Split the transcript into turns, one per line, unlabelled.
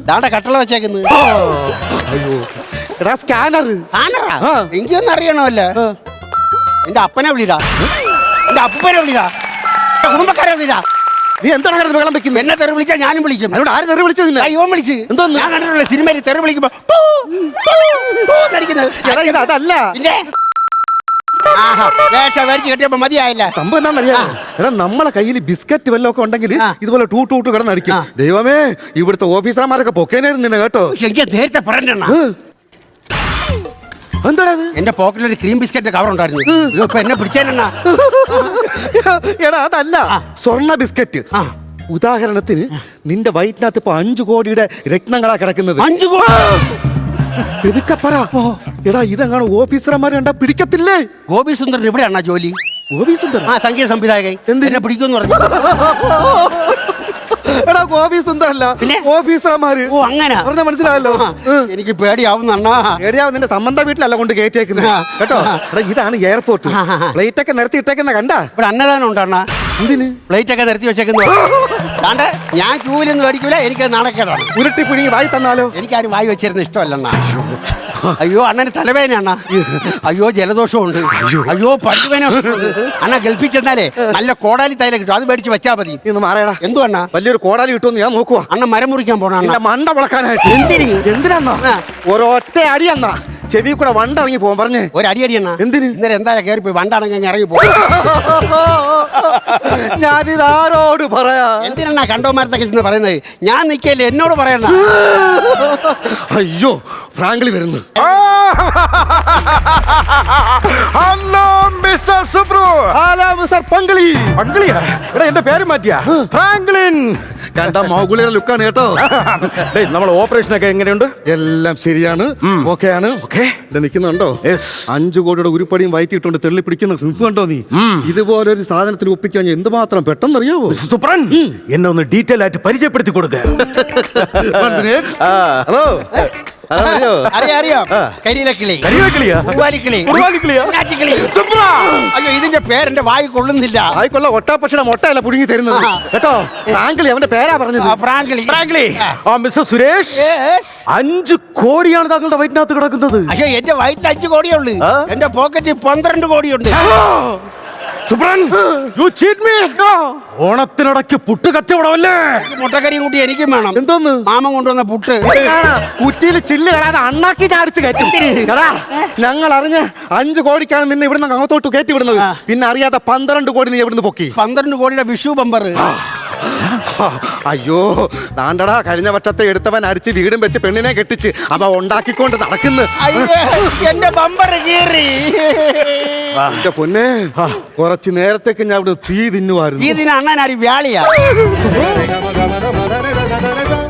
ദാണ്ട കട്ടള വെച്ചേക്കുന്നത്.
അയ്യോ എടാ സ്കാനർ.
ആണറാ എനിക്കൊന്നും അറിയണമല്ല. എന്റെ അപ്പനെ വിളിടാ, എന്റെ അപ്പനെ വിളിടാ, കുടുംബക്കാരെ വിളിടാ.
നീ എന്താണ് കിടന്ന് വെള്ളം വെക്കുന്നത്?
എന്നെ തെറി വിളിച്ചാൽ ഞാനും വിളിക്കും.
അതിനോട് ആര് തെറി വിളിച്ചത്?
ഇവൻ വിളിച്ച്.
എന്തോന്ന്?
ഞാൻ കണ്ടിട്ടുള്ള സിനിമയിൽ തെറി വിളിക്കുമ്പോ
അതല്ല
കെട്ടിയപ്പോ മതിയായില്ല.
സംഭവം എന്താണെന്നറിയാം? എടാ നമ്മളെ കയ്യിൽ ബിസ്ക്കറ്റ് വല്ലതും ഒക്കെ ഉണ്ടെങ്കിൽ ഇതുപോലെ ടൂട്ട് കിടന്നടിക്കും. ദൈവമേ, ഇവിടുത്തെ ഓഫീസർമാരൊക്കെ പൊക്കേനായിരുന്നു നിന്നെ കേട്ടോ.
എനിക്ക് നേരത്തെ പറഞ്ഞ
എന്താ
എന്റെ പോക്കറ്റിൽ ഒരു ക്രീം ബിസ്ക്കറ്റ് കവർ ഉണ്ടായിരുന്നു. ഇപ്പൊ എന്നെ പിടിച്ചേനെണ്ണ.
എടാ അതല്ല, സ്വർണ്ണ ബിസ്ക്കറ്റ്. ഉദാഹരണത്തിന് നിന്റെ വയറ്റിനകത്ത് ഇപ്പൊ 5 കോടിയുടെ രത്നങ്ങളാ കിടക്കുന്നത്.
5 കോടി?
എതുക്കപ്പറ എടാ, ഇതെങ്ങനെ ഓഫീസർമാരെ കണ്ടാ പിടിക്കത്തില്ലേ?
ഗോപി സുന്ദർ ഇവിടെയാണോ ജോലി?
ഗോപി സുന്ദർ
സംഗീത സംവിധായകൻ. എന്നെ പിടിക്കുമെന്ന് പറഞ്ഞു.
എടാ ഗോപി സുന്ദരല്ല, പിന്നെ ഓഫീസർമാര്.
ഓ അങ്ങനെ
പറഞ്ഞ മനസ്സിലായല്ലോ.
എനിക്ക് പേടിയാവുന്ന
പേടിയാവും. നിന്റെ സംബന്ധ വീട്ടിലല്ല കൊണ്ട് കയറ്റിയേക്കുന്നത് കേട്ടോ. എടാ ഇതാണ് എയർപോർട്ട്. പ്ലേറ്റ് ഒക്കെ നിരത്തി ഇട്ടേക്കുന്ന കണ്ടാ?
ഇവിടെ അന്നദാനം ഉണ്ടോ?
എന്തിന്
പ്ലേറ്റ് ഒക്കെ നിരത്തി വെച്ചേക്കുന്നു? താണ്ട് ഞാൻ ക്യൂവിലൊന്നും മേടിക്കൂല. എനിക്ക് നാണക്കേടാണ്.
ഉരുട്ടി പിടിങ്ങി വായി തന്നാലോ?
എനിക്കാരും വായി വെച്ചിരുന്ന ഇഷ്ടമല്ല. അയ്യോ അണ്ണന് തലവേന അണ്ണ. അയ്യോ ജലദോഷമുണ്ട്. അയ്യോ പല്ലുവേന. അണ്ണ ഗൾഫിൽ ചെന്നാലേ നല്ല കോടാലി തൈല കിട്ടും. അത് മേടിച്ച് വെച്ചാ മതി.
ഇന്ന് മാറേടാ.
എന്തു അണ്ണ?
വലിയൊരു കോടാലി കിട്ടുമെന്ന് ഞാൻ നോക്കുവാ.
അണ്ണ മരം മുറിക്കാൻ പോണ
മണ്ട വളക്കാനായിട്ട്. എന്തിനാ? ഒരൊറ്റ അടി എന്നാ ചെവി കൂടെ വണ്ട ഇറങ്ങി പോകാൻ പറഞ്ഞേ.
ഒരു അടി അണ്ണ.
എന്തിന്?
ഇന്നലെ എന്തായാലും കയറി പോയി വണ്ടാണെങ്കിൽ ഞാൻ ഇറങ്ങി പോകും.
ഞാനിതാരോട് പറയാ?
എന്തിനാ കണ്ടോമാരത്തൊക്കെ ചെന്ന് പറയുന്നത്? ഞാൻ നിൽക്കല്ലേ, എന്നോട് പറയണ.
അയ്യോ ഫ്രാങ്ക്ലി വരുന്നു.
Hello mister Subru.
Hello mister Pankali.
പങ്കളിയാ? എടാ എന്റെ പേര് മാറ്റിയാ? ഫ്രാങ്ക്ലിൻ.
കണ്ട മൗഗുളിയുടെ ലുക്കാണ് കേട്ടോ.
നമ്മൾ ഓപ്പറേഷൻ ഒക്കെ എങ്ങനെയുണ്ട്?
എല്ലാം ശരിയാണ്, ഓക്കെ ആണ്. നിൽക്കുന്നുണ്ടോ? 5 കോടിയുടെ ഉരുപ്പടിയും വയറ്റിട്ടുണ്ട് തെള്ളി പിടിക്കുന്ന ഫിംഫ് കണ്ടോ നീ? ഇതുപോലൊരു സാധനത്തിന് ഒപ്പിക്കാൻ എന്തുമാത്രം പെട്ടെന്നറിയാവോ?
സുപ്രൻ എന്നെ ഒന്ന് ഡീറ്റെയിൽ ആയിട്ട് പരിചയപ്പെടുത്തി കൊടുക്കുക.
ഹലോ
അറിയാം. കരിയിലക്കിളി, അയ്യോ ഇതിന്റെ പേരെന്റെ വായി കൊള്ളുന്നില്ല.
ആയിക്കൊള്ള ഒട്ടാപ്പക്ഷയുടെ മൊട്ടയല്ല പുടുങ്ങി തരുന്നത് കേട്ടോ. ഫ്രാങ്ക്ലി അവന്റെ പേരാ പറഞ്ഞത്.
ഫ്രാങ്ക്ലി.
മിസ്റ്റർ സുരേഷ്, 5 കോടിയാണ് താങ്കളുടെ വയറ്റിനകത്ത് കിടക്കുന്നത്.
അയ്യോ എന്റെ വയറ്റിൽ 5 കോടിയേ ഉള്ളു. എന്റെ പോക്കറ്റിൽ 12 കോടിയുണ്ട്.
ഓണത്തിനിടയ്ക്ക് പുട്ട് കച്ചവടമല്ലേ?
മുട്ടക്കറിയും കൂട്ടി എനിക്കും വേണം.
എന്തോന്ന്?
മാമൻ കൊണ്ടുവന്ന പുട്ട്
കുറ്റിയിൽ ചില്ല് കളാതെ അണ്ണാക്കി ചാടിച്ച് കയറ്റും. ഞങ്ങൾ അറിഞ്ഞ് 5 കോടിക്കാണ് നിന്നെ ഇവിടുന്ന് അങ്ങോട്ടോട്ട് കയറ്റി വിടുന്നത്. പിന്നെ അറിയാതെ 12 കോടി നീ ഇവിടുന്ന് പൊക്കി.
12 കോടിയുടെ വിഷു ബമ്പർ.
അയ്യോ താണ്ടടാ, കഴിഞ്ഞ വർഷത്തെ എടുത്തവൻ അടിച്ച് വീടും വെച്ച് പെണ്ണിനെ കെട്ടിച്ച് അവ ഉണ്ടാക്കിക്കൊണ്ട് നടക്കുന്നു.
എന്റെ ബമ്പർ കീറി.
എന്റെ പൊന്നെ, കുറച്ച് നേരത്തേക്ക് ഞാൻ ഇവിടെ തീ തിന്നുവായിരുന്നു.
ഈ ദിനം അണ്ണൻ ആര് വ്യാളിയാ?